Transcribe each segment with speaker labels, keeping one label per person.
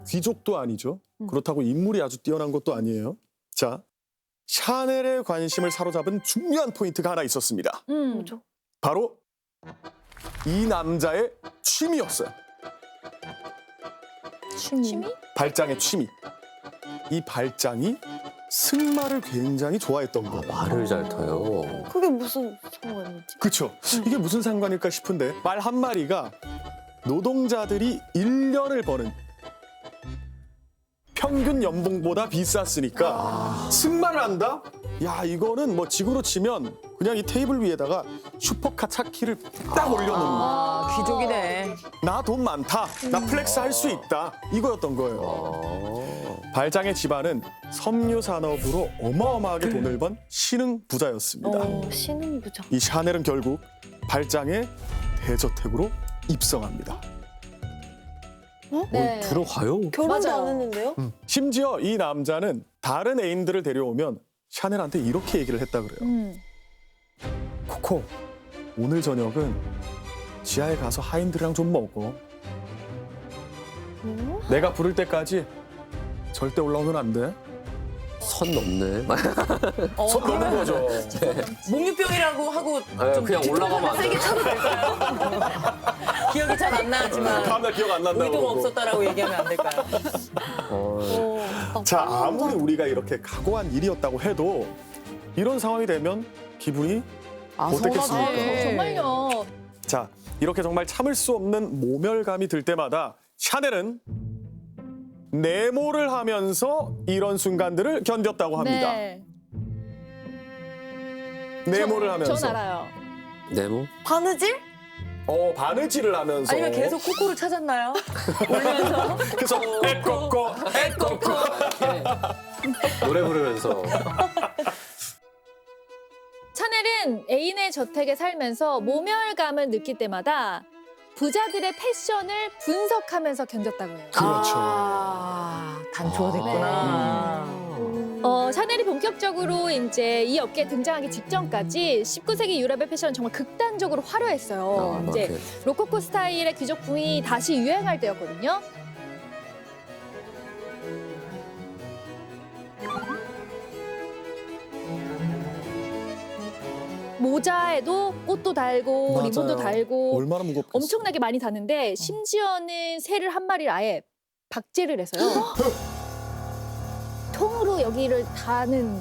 Speaker 1: 귀족도 아니죠. 그렇다고 인물이 아주 뛰어난 것도 아니에요. 자, 샤넬의 관심을 사로잡은 중요한 포인트가 하나 있었습니다.
Speaker 2: 뭐죠?
Speaker 1: 바로 이 남자의 취미였어요.
Speaker 2: 취미?
Speaker 1: 발장의 취미. 이 발장이 승마를 굉장히 좋아했던 거예요.
Speaker 3: 말을 잘 타요.
Speaker 2: 그게 무슨 상관이지?
Speaker 1: 그렇죠. 이게 무슨 상관일까 싶은데 말 한 마리가 노동자들이 1년을 버는 평균 연봉보다 비쌌으니까 승마를 한다? 야, 이거는 뭐 지구로 치면 그냥 이 테이블 위에다가 슈퍼카 차키를 딱 올려놓는 거.
Speaker 4: 귀족이네.
Speaker 1: 나 돈 많다. 나 플렉스 할 수 있다. 이거였던 거예요. 발장의 집안은 섬유 산업으로 어마어마하게 돈을 번 신흥 부자였습니다.
Speaker 2: 신흥부자.
Speaker 1: 이 샤넬은 결국 발장의 대저택으로 입성합니다.
Speaker 2: 네.
Speaker 3: 들어가요?
Speaker 2: 결혼도
Speaker 4: 맞아요.
Speaker 2: 안 했는데요?
Speaker 1: 심지어 이 남자는 다른 애인들을 데려오면 샤넬한테 이렇게 얘기를 했다 그래요. 코코, 오늘 저녁은 지하에 가서 하인들이랑 좀 먹어. 내가 부를 때까지 절대 올라오면 안 돼.
Speaker 3: 선 넘네.
Speaker 1: 손 넘는 거죠.
Speaker 4: 목류병이라고 하고
Speaker 3: 네,
Speaker 4: 좀
Speaker 3: 그냥 올라가면 안
Speaker 4: 세게
Speaker 3: 돼요.
Speaker 4: 쳐도 될까요? 기억이 잘 안 나지만
Speaker 1: 다음날 기억 안 난다고.
Speaker 4: 의도가
Speaker 1: 그러고.
Speaker 4: 없었다라고 얘기하면 안 될까요?
Speaker 1: 자, 아무리 우리가 이렇게 각오한 일이었다고 해도 이런 상황이 되면 기분이 어떻겠습니까?
Speaker 4: 서운하지.
Speaker 2: 정말요.
Speaker 1: 자, 이렇게 정말 참을 수 없는 모멸감이 들 때마다 샤넬은 내모를 하면서 이런 순간들을 견뎠다고 합니다.
Speaker 2: 네.
Speaker 1: 내모를 하면서.
Speaker 2: 전 알아요.
Speaker 3: 네모?
Speaker 2: 바느질?
Speaker 1: 바느질을 하면서.
Speaker 4: 아니면 계속 코코를 찾았나요? 올리면서
Speaker 1: 그래서 에꼬꼬 에꼬꼬.
Speaker 3: 노래 부르면서.
Speaker 2: 샤넬은 애인의 저택에 살면서 모멸감을 느낄 때마다 부자들의 패션을 분석하면서 견뎠다고 해요.
Speaker 1: 그렇죠.
Speaker 4: 단초가 됐구나.
Speaker 2: 샤넬이 본격적으로 이제 이 업계에 등장하기 직전까지 19세기 유럽의 패션은 정말 극단적으로 화려했어요. 이제
Speaker 3: 이렇게.
Speaker 2: 로코코 스타일의 귀족풍이 다시 유행할 때였거든요. 모자에도 꽃도 달고
Speaker 1: 맞아요.
Speaker 2: 리본도 달고
Speaker 1: 얼마나 무겁겠어.
Speaker 2: 엄청나게 많이 다는데 심지어는 새를 한 마리를 아예 박제를 해서요. 통으로 여기를 다는.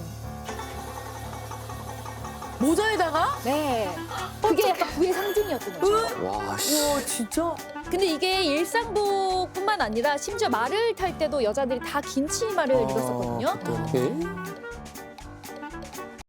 Speaker 4: 모자에다가?
Speaker 2: 네. 그게 약간 부의 상징이었던 거죠.
Speaker 3: 와, 씨.
Speaker 4: 우와 진짜?
Speaker 2: 근데 이게 일상복뿐만 아니라 심지어 말을 탈 때도 여자들이 다 긴 치마를 입었었거든요.
Speaker 3: 어떡해?